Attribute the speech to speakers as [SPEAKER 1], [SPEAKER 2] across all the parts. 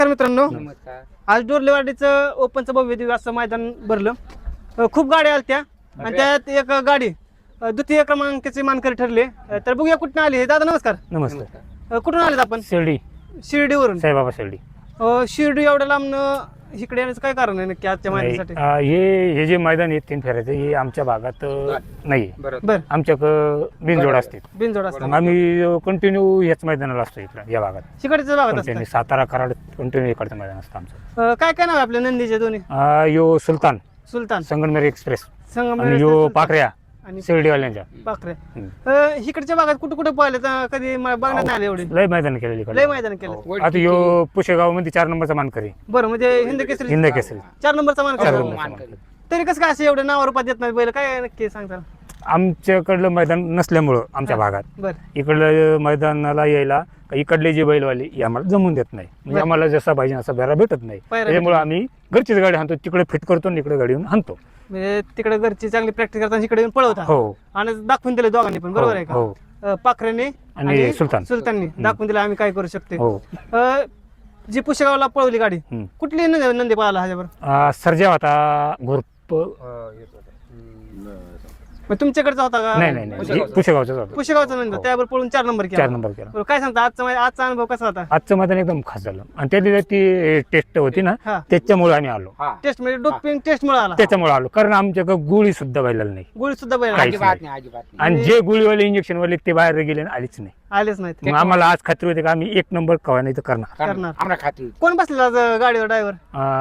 [SPEAKER 1] मित्रांनो,
[SPEAKER 2] नमस्कार.
[SPEAKER 1] आज डोरलेवाडीचं ओपनचं भव्य दिव्य असं मैदान भरलं. खूप गाड्या आल्या त्या आणि त्यात एक गाडी द्वितीय क्रमांकाचे मानकरी ठरले. तर बघूया कुठून आली. दादा नमस्कार.
[SPEAKER 3] नमस्कार.
[SPEAKER 1] कुठून आलेत आपण? शिर्डीवरून.
[SPEAKER 3] साईबाबा शिर्डी.
[SPEAKER 1] शिर्डी एवढ्या लांबनं इकडे येण्याचं काय कारण आहे नक्की आजच्या मैदानासाठी?
[SPEAKER 3] हे जे मैदान आहे 3 फेऱ्याचं हे आमच्या भागात नाही.
[SPEAKER 1] बरं,
[SPEAKER 3] आमच्याकडं बिनजोड असते.
[SPEAKER 1] बिनजोड असतात.
[SPEAKER 3] मग आम्ही कंटिन्यू याच मैदानाला असतो इकडं या भागात.
[SPEAKER 1] शिकडच्या भागात
[SPEAKER 3] कंटिन्यू
[SPEAKER 1] असतात.
[SPEAKER 3] सातारा कराड कंटिन्यू इकडचं मैदान असतं आमचं.
[SPEAKER 1] काय काय नाव आहे आपल्या नंदीचे दोन्ही?
[SPEAKER 3] यो सुलतान
[SPEAKER 1] सुलतान,
[SPEAKER 3] संगमनेर एक्सप्रेस
[SPEAKER 1] संगमनेर
[SPEAKER 3] आणि यो
[SPEAKER 1] सुलतान
[SPEAKER 3] पाखऱ्या
[SPEAKER 1] आणि
[SPEAKER 3] शिर्डीवाल्यांच्या.
[SPEAKER 1] पाखरे. इकडच्या भागात कुठे कुठे पाहिले तर कधी बघण्यात नाही आले एवढे.
[SPEAKER 3] लय मैदान केलेली
[SPEAKER 1] लय
[SPEAKER 3] इकडे.
[SPEAKER 1] मैदान केलं.
[SPEAKER 3] आता यो पुशेगाव मध्ये 4 नंबरचा मानकरी.
[SPEAKER 1] बरं, म्हणजे हिंद केसरी
[SPEAKER 3] हिंद केसरी
[SPEAKER 1] 4 नंबरचा मान
[SPEAKER 3] 4
[SPEAKER 1] करा.
[SPEAKER 3] नंबरचा मानकरी.
[SPEAKER 1] तरी कसं काय असं एवढं नाव रूपात येत नाही बैल, काय नक्की सांगता?
[SPEAKER 3] आमच्याकडलं मैदान नसल्यामुळं आमच्या भागात
[SPEAKER 1] बरं,
[SPEAKER 3] इकडलं मैदानाला यायला इकडले जे बैलवाले हे आम्हाला जमून देत नाही. म्हणजे
[SPEAKER 1] बरं.
[SPEAKER 3] आम्हाला जसा पाहिजे असा बेरा भेटत नाही.
[SPEAKER 1] पायऱ्या
[SPEAKER 3] त्याच्यामुळे आम्ही घरचीच गाडी हाणतो, तिकडे फिट करतो आणि इकडे गाडी येऊन हाणतो.
[SPEAKER 1] म्हणजे तिकडे घरची चांगली प्रॅक्टिस करताना इकडे येऊन पळवता
[SPEAKER 3] हो
[SPEAKER 1] आणि दाखवून दिले दोघांनी पण, बरोबर आहे
[SPEAKER 3] हो
[SPEAKER 1] का? पाखरेने
[SPEAKER 3] आणि
[SPEAKER 1] सुलताननी दाखवून दिलं आम्ही काय करू शकते.
[SPEAKER 3] हो.
[SPEAKER 1] जी पुशेगावला पळवली गाडी,
[SPEAKER 3] हम्म.
[SPEAKER 1] कुठली नंदी पळाला ह्याच्यावर?
[SPEAKER 3] सर्जा होता घोरप.
[SPEAKER 1] मग तुमच्याकडचा होता का?
[SPEAKER 3] नाही नाही नाही पुशेगावचाच होता.
[SPEAKER 1] पुशेगावचा नंद, त्यावर पळून 4 नंबर
[SPEAKER 3] 4
[SPEAKER 1] केला.
[SPEAKER 3] नंबर केला.
[SPEAKER 1] बरं, काय सांगता आजचा अनुभव कसा होता?
[SPEAKER 3] आजचं मैदान एकदम खास झालं आणि त्या दिवशी ती टेस्ट होती ना,
[SPEAKER 1] हा,
[SPEAKER 3] त्याच्यामुळे आम्ही आलो.
[SPEAKER 1] टेस्ट म्हणजे डोपिंग टेस्ट मुळे आला.
[SPEAKER 3] त्याच्यामुळे आलो कारण आमच्याकडे गोळी सुद्धा बैलाला नाही.
[SPEAKER 1] गोळी सुद्धा बैल
[SPEAKER 3] काहीच
[SPEAKER 2] अजिबात नाही, अजिबात नाही.
[SPEAKER 3] आणि जे गोळीवाले इंजेक्शन वाले ते बाहेर गेले आणि आलीच नाही.
[SPEAKER 1] आलेच नाहीत.
[SPEAKER 3] मग आम्हाला आज खात्री होती का आम्ही 1 नंबर कवा नाही तर करणार.
[SPEAKER 1] करणार.
[SPEAKER 2] आम्हाला खात्री होती.
[SPEAKER 1] कोण बसलेला आज गाडीवर? ड्रायव्हर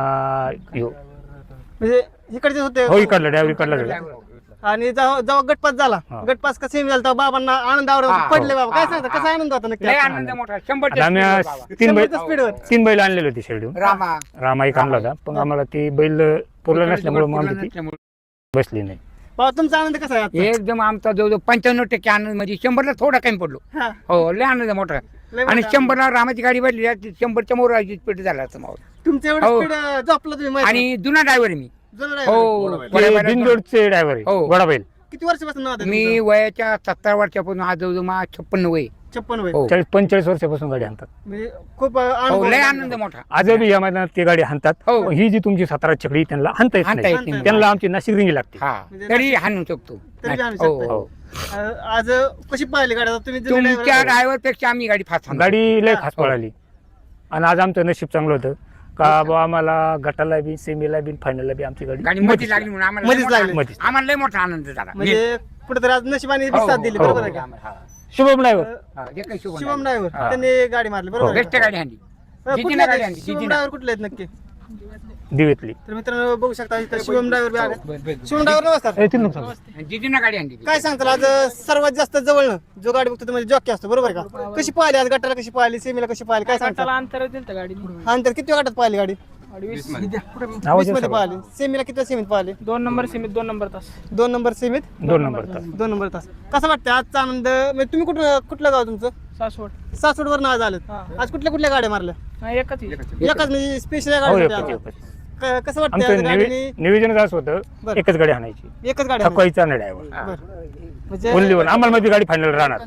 [SPEAKER 1] म्हणजे इकडचे होते?
[SPEAKER 3] हो इकडला ड्रायव्हर इकडला झाला.
[SPEAKER 1] आणि जेव्हा गटपास झाला,
[SPEAKER 3] हा.
[SPEAKER 1] गटपास कसा सेमी झाला, तेव्हा बाबांना आनंदावर
[SPEAKER 2] हा.
[SPEAKER 1] पडले. बाबा काय
[SPEAKER 2] हा.
[SPEAKER 1] सांगता, कसा आनंद होता नक्की?
[SPEAKER 2] लय आनंद मोठा. 100
[SPEAKER 3] आता आम्ही आज
[SPEAKER 2] बाबा.
[SPEAKER 3] 3 बैल
[SPEAKER 1] 100 स्पीडवर.
[SPEAKER 3] 3 बैल आणलेले होते शेडून.
[SPEAKER 2] रामा
[SPEAKER 3] एक आणला होता पण आम्हाला ती बैल पुरला नसल्यामुळे मग आमची ती
[SPEAKER 2] नसल्यामुळे.
[SPEAKER 3] बसली नाही.
[SPEAKER 1] बाबा तुमचा आनंद कसा आहे आजचा?
[SPEAKER 2] एकदम आमचा जवळजवळ 95% आनंद, म्हणजे 100ला थोडा कमी पडलो.
[SPEAKER 1] हा,
[SPEAKER 2] हो, लय आनंद मोठा.
[SPEAKER 1] लय
[SPEAKER 2] आणि
[SPEAKER 1] मोठा.
[SPEAKER 2] 100ला रामाची गाडी बसली, 100च्या मोराची स्पीड झाला असं माहोल.
[SPEAKER 1] तुमचं एवढं
[SPEAKER 2] हो.
[SPEAKER 1] स्पीड झोपलं तुम्ही मैदानात.
[SPEAKER 2] आणि जुना ड्रायव्हर मी.
[SPEAKER 1] जुना driver.
[SPEAKER 2] हो,
[SPEAKER 3] ते बिनजोडचे ड्रायव्हर आहे
[SPEAKER 2] हो.
[SPEAKER 3] गोडा बैल.
[SPEAKER 1] किती वर्षापासून नाव आहे
[SPEAKER 2] मी
[SPEAKER 1] तुमचं?
[SPEAKER 2] वयाच्या 70 वर्षापासून आज जवळजवळ 56 वय.
[SPEAKER 1] 56 वय.
[SPEAKER 2] हो.
[SPEAKER 3] 45 वर्षापासून गाडी हाणतात.
[SPEAKER 1] म्हणजे खूप
[SPEAKER 2] हो,
[SPEAKER 1] अनुभव
[SPEAKER 2] लय
[SPEAKER 1] आहे.
[SPEAKER 2] आनंद मोठा.
[SPEAKER 3] आजही या मैदानात ते गाडी हाणतात.
[SPEAKER 2] हो.
[SPEAKER 3] ही जी तुमची 17 छकडी त्यांना हाणता येत
[SPEAKER 2] हाणता
[SPEAKER 3] नाही.
[SPEAKER 2] येत नाही.
[SPEAKER 3] त्यांना आमची नाशिक रिंगी लागते.
[SPEAKER 2] हा,
[SPEAKER 1] म्हणजे
[SPEAKER 2] तरी हाणू शकतो.
[SPEAKER 1] तरी बी हाणू
[SPEAKER 2] हो,
[SPEAKER 1] शकता.
[SPEAKER 2] हो.
[SPEAKER 1] आज कशी पाहिली गाडी? आता तुम्ही जुने
[SPEAKER 2] तुमच्या
[SPEAKER 1] driver
[SPEAKER 2] ड्रायव्हर पेक्षा आम्ही गाडी फास्ट हाणतो.
[SPEAKER 3] गाडी लय
[SPEAKER 1] हा.
[SPEAKER 3] खास पळाली आणि आज आमचं नशीब चांगलं होतं का बाबा आम्हाला गटाला बी सेमीला बी फायनलला बी आमची गाडी
[SPEAKER 2] गाडी मधीच लागली म्हणून आम्हाला लय
[SPEAKER 1] मधीच
[SPEAKER 2] मोठा
[SPEAKER 1] लागली.
[SPEAKER 2] आनंद. आम्हाला लय मोठा आनंद झाला.
[SPEAKER 1] म्हणजे कुठेतरी आज नशिबाने बी
[SPEAKER 2] हो,
[SPEAKER 1] साथ दिली,
[SPEAKER 2] हो,
[SPEAKER 1] बरोबर
[SPEAKER 2] हो.
[SPEAKER 1] आहे का?
[SPEAKER 2] हा.
[SPEAKER 3] शुभम ड्रायव्हर.
[SPEAKER 2] हा, जे काही शुभ
[SPEAKER 1] शिवम ड्रायव्हर
[SPEAKER 3] हा.
[SPEAKER 1] त्यांनी गाडी मारली, बरोबर आहे
[SPEAKER 2] बेस्ट
[SPEAKER 1] का?
[SPEAKER 2] गाडी हाणली. जिजीने
[SPEAKER 1] कुठले
[SPEAKER 2] गाडी
[SPEAKER 1] आहेत?
[SPEAKER 2] आणली,
[SPEAKER 1] शिवम
[SPEAKER 2] जिजीने.
[SPEAKER 1] ड्रायव्हर कुठले आहेत नक्की?
[SPEAKER 3] दिवेतली.
[SPEAKER 1] तर मित्रांनो बघू शकता इथं शिवम ड्रायव्हर बी आले. शिवम ड्रायव्हर नमस्कार.
[SPEAKER 2] जिजीने गाडी आणली.
[SPEAKER 1] काय सांगताल आज सर्वात जास्त जवळनं जो गाडी बघतो तो म्हणजे जॉकी असतो, बरोबर आहे का? कशी पाहिली आज? गटाला कशी पाहिली, सेमीला कशी पाहिली, काय सांगताल?
[SPEAKER 4] अंतर दिलं गाडी
[SPEAKER 1] अंतर किती गटात पाहिली गाडी?
[SPEAKER 4] 20
[SPEAKER 3] आवाज
[SPEAKER 1] 20 मध्ये पाहिली. सेमीला किती सेमीत पाहिली?
[SPEAKER 4] 2 नंबर सीमित 2 नंबर तास
[SPEAKER 1] 2 नंबर सेमीत
[SPEAKER 3] 2 नंबर तास.
[SPEAKER 1] 2 नंबर तास. कसं वाटतं आजचा आनंद? म्हणजे तुम्ही कुठलं गाव तुमचं?
[SPEAKER 4] सासवड.
[SPEAKER 1] सासवडवर आज आलेत.
[SPEAKER 4] हा.
[SPEAKER 1] आज कुठल्या गाड्या मारल्या?
[SPEAKER 4] नाही, एकच
[SPEAKER 1] एकाच म्हणजे स्पेशल
[SPEAKER 3] हो
[SPEAKER 1] गाडी
[SPEAKER 3] एकच.
[SPEAKER 1] कसं वाटतं
[SPEAKER 3] आमचं
[SPEAKER 1] आज गाडीने?
[SPEAKER 3] नियोजन असं होतं
[SPEAKER 1] बरं.
[SPEAKER 3] एकच गाडी हाणायची.
[SPEAKER 1] एकच गाडी
[SPEAKER 3] थकवायचा नाही ड्रायव्हर.
[SPEAKER 1] बरं. म्हणजे
[SPEAKER 3] ओनली वन. आम्हाला माझी गाडी फायनल राहणार.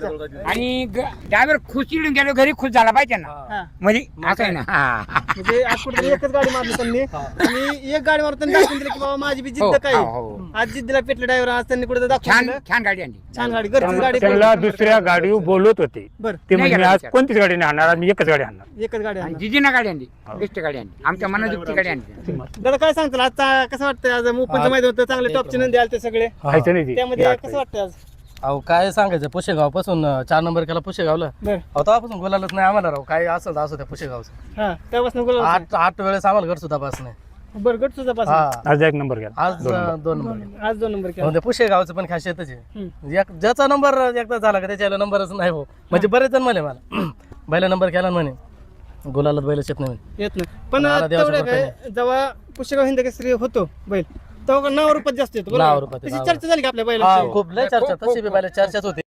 [SPEAKER 2] आणि ड्रायव्हर खुश चिडून गेलो, घरी खुश झाला पाहिजे ना.
[SPEAKER 1] हा.
[SPEAKER 2] म्हणजे असं आहे ना. हा.
[SPEAKER 1] म्हणजे आज कुठेतरी एकच गाडी मारली त्यांनी आणि एक गाडी मारून त्यांनी दाखवून दिलं की बाबा माझी बी
[SPEAKER 2] हो,
[SPEAKER 1] जिद्द काय
[SPEAKER 2] हो,
[SPEAKER 1] आहे.
[SPEAKER 2] हो.
[SPEAKER 1] आज जिद्दीला पेटले ड्रायव्हर. आज त्यांनी कुठे दाखवून
[SPEAKER 2] छान
[SPEAKER 1] दिलं.
[SPEAKER 2] छान गाडी आणली.
[SPEAKER 1] छान गाडी, घरची गाडी.
[SPEAKER 3] त्यांना दुसऱ्या गाडीवर बोलवत होते
[SPEAKER 1] बरं,
[SPEAKER 3] ते
[SPEAKER 2] नाही
[SPEAKER 3] म्हणजे
[SPEAKER 2] गेला
[SPEAKER 3] आज
[SPEAKER 2] विचार.
[SPEAKER 3] कोणतीच गाडी नाही आणणार, आम्ही एकच गाडी आणणार.
[SPEAKER 1] एकच गाडी
[SPEAKER 2] आणि
[SPEAKER 1] आणणार.
[SPEAKER 2] जिजीने गाडी आणली. बेस्ट गाडी आणली. आमच्या मनाजुक्ती गाडी आणली.
[SPEAKER 1] दादा काय सांगताल आजचा कसं वाटतं? आज ओपनचं मैदान होतं, चांगले टॉपचे नंदी आले ते सगळे.
[SPEAKER 3] व्हायचं नाही ते.
[SPEAKER 1] त्यामध्ये कसं वाटतं आज?
[SPEAKER 5] अहो काय सांगायचं, पुशेगाव पासून 4 नंबर केला पुशेगावला.
[SPEAKER 1] बरं.
[SPEAKER 5] अहो तेव्हापासून बोलायलाच नाही आम्हाला राव. काय असं असो त्या पुशेगावचं.
[SPEAKER 1] हा, त्यापासून बोला.
[SPEAKER 5] 8 वेळेस आम्हाला घर सुद्धा पास नाही.
[SPEAKER 1] बरं, गट तुझा पास.
[SPEAKER 5] हा
[SPEAKER 3] आज एक नंबर गेला.
[SPEAKER 5] आज 2 नंबर केला.
[SPEAKER 1] आज 2 नंबर केला.
[SPEAKER 5] म्हणजे पुशेगावचं पण खासियतच आहे.
[SPEAKER 1] हम्म.
[SPEAKER 5] ज्याचा नंबर एकदा झाला का त्याच्याला नंबरच नाही हो. म्हणजे बरेच जण म्हणे मला बैला नंबर केला म्हणे, गुलालात बैल येत नाही म्हणे.
[SPEAKER 1] येत नाही. पण
[SPEAKER 5] मला देवाचं
[SPEAKER 1] तेवढं
[SPEAKER 5] कृपा
[SPEAKER 1] काय जेव्हा पुष्यगाव हिंद केसरी होतो बैल तेव्हा नाव रूपात जास्त येतो, बरोबर?
[SPEAKER 5] नाव रूपात,
[SPEAKER 1] तशी
[SPEAKER 5] नाव
[SPEAKER 1] चर्चा झाली का आपल्या
[SPEAKER 5] हा,
[SPEAKER 1] बैलाची?
[SPEAKER 5] खूप लय चर्चा, तशी बी बैला चर्चाच होती.